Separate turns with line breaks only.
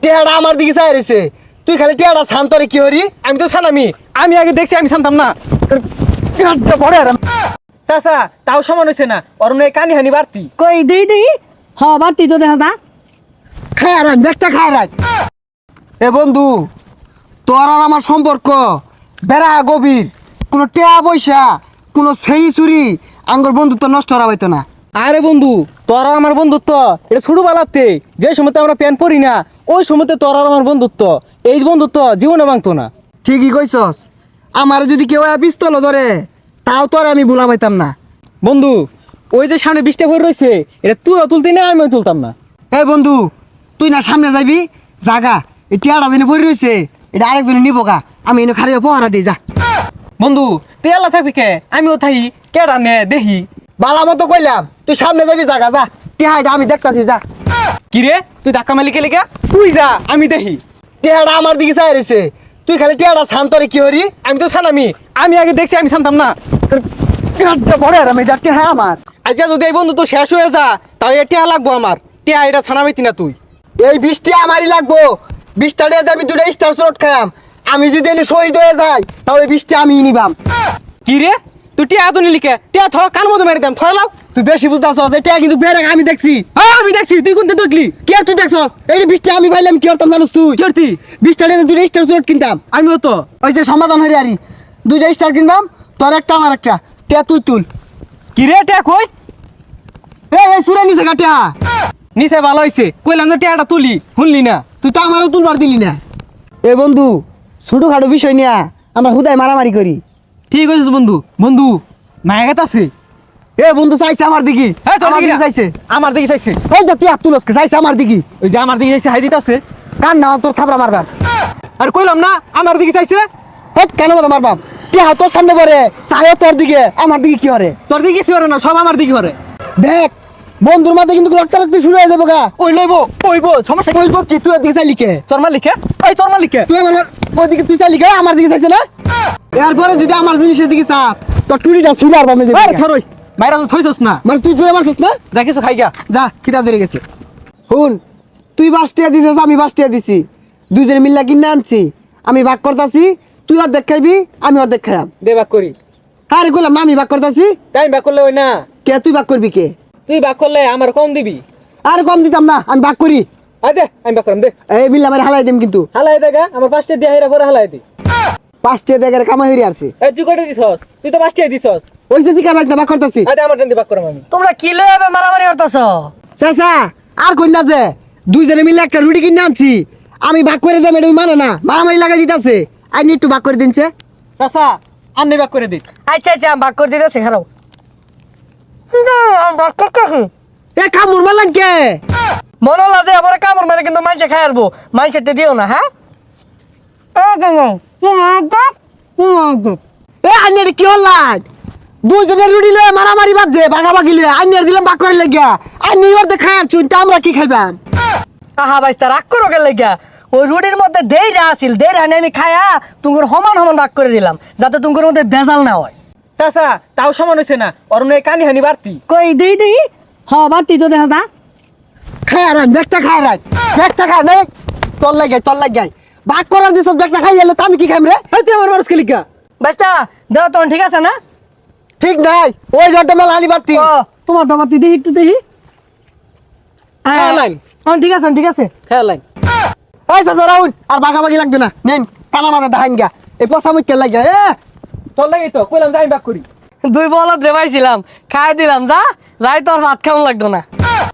টেহাটা আমার দিকে চাই রয়েছে, তুই খালি টেহাটা শান্তরে কি হরি?
আমি তো ছানামি, আমি আগে দেখছি, আমি ছানতাম না।
পড়ে
চাচা তাও সমান হয়েছে না, অরুণ কানি হানি বাড়তি।
কই দেই হ বাড়তি তো দেখা যা।
খায় আর ব্যাগটা খায় রাখ। এ বন্ধু, তোর আর আমার সম্পর্ক বেড়া গভীর, কোনো টেহা পয়সা কোনো ছেড়ি চুরি আঙ্গর বন্ধুত্ব নষ্ট করা হইতো না।
আরে বন্ধু, তোর আর আমার বন্ধুত্ব এটা ছোটবেলাতে যে সময়তে আমরা প্যান্ট পরি না, ওই সময়তে তোর আর আমার বন্ধুত্ব, এই বন্ধুত্ব জীবনে ভাঙতো না।
ঠিকই কইছস, আমার যদি কেউ পিস্তল ধরে তাও তোর আমি ভুলা পাইতাম না।
বন্ধু, ওই যে সামনে বৃষ্টি পড়ে রয়েছে, এটা তুইও তুলতি না, আমিও তুলতাম না।
এই বন্ধু, তুই না সামনে যাবি, জাগা এই টিয়াটা দিনে পড়ে রয়েছে, এটা আরেকজনে নিব গা, আমি এনে খারিয়ে পহারা দিই যা।
বন্ধু তুই আল্লাহ থাকবি কে, আমিও থাকি, কেডা নে দেখি।
বালা মতো কইলাম, তুই সামনে যাবি, জাগা যা, টিহাটা আমি দেখতাছি যা।
কি রে, তুই ধাক্কা মারলি কে লেগে? তুই যা, আমি দেখি।
টিহাটা আমার দিকে চাই রয়েছে, তুই খালি টিহাটা শান্তরে কি হরি?
আমি তো ছানামি, আমি আগে দেখছি, আমি ছানতাম না।
পড়ে আর আমি টিহা আমার।
আজকে যদি এই বন্ধু তো শেষ হয়ে যা, তাও এ টিয়া লাগবো আমার, টিয়া এটা ছানা পাইতি না তুই।
এই 20টা আমারই লাগবো, 20টা দিয়ে আমি 2টা স্টার শট খাইম, আমি যদি এনে শহীদ হয়ে যাই তাহলে 20টা আমি নিবাম।
কি রে, তুই টিয়া তো নিলি কে? টিয়া থ কান মতো মেরে দাম, থলাও।
তুই বেশি বুঝতেছ, এটা কিন্তু বেড়ে আমি দেখছি।
হ্যাঁ আমি দেখছি, তুই কোনটা দেখলি?
কি আর তুই দেখছস? এই 20টা আমি পাইলাম, কি করতাম জানোস তুই?
কি করতি?
20টা দিয়ে 2টা স্টার শট কিনতাম।
আমিও তো।
ওই যে সমাধান হয়ে আরি 2টা স্টার কিনবাম, তোর একটা আমার একটা, টিয়া তুই তুল।
কি রে, টিয়া কই?
এই সুরে নিছে কাটিয়া,
নিচে ভালো হয়েছে, কইলাম যে টিয়াটা তুলি, শুনলি না।
তুই তো আমারও তুলবার দিলি না। এ বন্ধু, ছোটখাটো বিষয় নিয়ে আমরা হুদায় মারামারি করি।
ঠিক আছে বন্ধু, বন্ধু মায়া গেত আছে।
এ বন্ধু চাইছে আমার দিকে,
হ্যাঁ তোর
আমার
দিকে
দিকে চাইছে।
আমার দিকে চাইছে।
এই তো টিয়া তুলসকে চাইছে আমার দিকে,
ওই যে আমার দিকে চাইছে, হাই দিতে আছে।
কার না তোর থাবড়া মারবার।
আর কইলাম না আমার দিকে চাইছে।
হেট কেন মতো মারবাম, টিয়া তোর সামনে পড়ে চাই তোর দিকে, আমার দিকে কি হরে?
তোর দিকে কিছু করে না, সব আমার দিকে করে।
দেখ বন্ধুর মাঝে কিন্তু রক্তারক্তি শুরু হয়ে যাবো গা।
ওই লইবো ওইবো, সমস্যা কি?
বলবো কি তুই ওদিকে চাইলি কে?
তোর মালিকে, ওই তোর মালিকে।
তুই আমার ওদিকে তুই চাইলি কে? আমার দিকে চাইছে না? এরপরে যদি আমার জিনিসের দিকে চাস তোর টুরিটা ছিল আর বামে যাবে।
আরে সরই, মাইরা তো থইছস না।
মানে তুই জোরে মারছিস না?
যা কিছু খাই গা।
যা কিতাব ধরে গেছে। শুন, তুই 5 টাকা দিছিস, আমি 5 টাকা দিছি, দুইজনে মিল্লা কিনে আনছি, আমি ভাগ করতাছি, তুই অর্ধেক খাইবি, আমি অর্ধেক খাইয়াম।
দে বাক করি।
আরে কইলাম না আমি ভাগ করতাছি।
তাই বাক করলে ওই না,
কে তুই ভাগ করবি কে?
তুই বাক করলে আমার কম দিবি।
আর কম দিতাম না, আমি ভাগ করি।
আয় দে, আমি বাক করাম দে।
এই মিল্লা আমার হালাই দিম কিন্তু।
হালাই দেখা আমার 5টা দিয়া হেরা করে হালাই দি।
5 টাকা দেখে কামাই হইরে আসছে।
এই তুই কয়টা দিছস? তুই তো 5টাই দিছস।
ওই যে জিকা ভাগ ভাগ করতাছি।
আয় দে, আমার টান দি বাক করাম আমি।
তোমরা কি লইবে মারামারি করতেছ?
চাচা আর কই না যে দুইজনে মিলে একটা রুটি কিনে আনছি, আমি ভাগ করে দেব, এটা মানে না, মারামারি লাগাই দিতাছে। আই নি একটু ভাগ করে দিনছে।
চাচা আন্নি বাক করে দি।
আচ্ছা আচ্ছা আমি ভাগ করে দিতেছি, খারাপ
এ কামড় মারলাম কে?
মনে লাগে আবার কামড় মেরে কিন্তু মাইসে খাই আরবো, মাইসে দিও না। হ্যাঁ
এ আইনের কি হল্লাম? দুইজনের রুটি লয়ে মারামারি বাজছে, ভাগাভাগি লয়ে আইনের দিলাম ভাগ করে লাগিয়া, আইনি ওর দেখায় আর চুন, তা আমরা কি খাইবাম?
আহা বাইস্তা রাগ করো কে লাগিয়া? ওই রুটির মধ্যে দেইরা আসিল, দেইরা আমি খায়া তুঙ্গুর সমান সমান ভাগ করে দিলাম, যাতে তুঙ্গুর মধ্যে ভেজাল না হয়।
চাচা তাও সমান হইছে না, অরুণ কানি হানি বাড়তি।
কই দেই হ বাড়তি তো দেখা যা।
খায় আর ব্যাগটা খায় রাখ, ব্যাগটা খায় নে, তোর লাগে ভাগ করার দিছ, ব্যাগটা খাই এলো, তা আমি কি খাইম রে?
এই তুই আমার মানুষ লিখা।
বাইস্তা দেও তখন ঠিক আছে না?
ঠিক নাই, ওই জটটা মেলা আনি বাড়তি।
ও তোমার বাড়তি দেখি একটু দেখি।
খায়া লাইন,
ঠিক আছে ঠিক আছে।
খায়া লাইন।
এই চাচা রাহুল, আর ভাগাভাগি লাগবে না, নেন কানা মাথা দেখাইন গা, এই পচা মুখকে লাগে।
তোর লাগেই তো কইলাম যে আমি বাক করি।
দুই বলদ রেবাইছিলাম, খাই দিলাম, যা যাই তোর ভাত খাওয়া লাগতো না।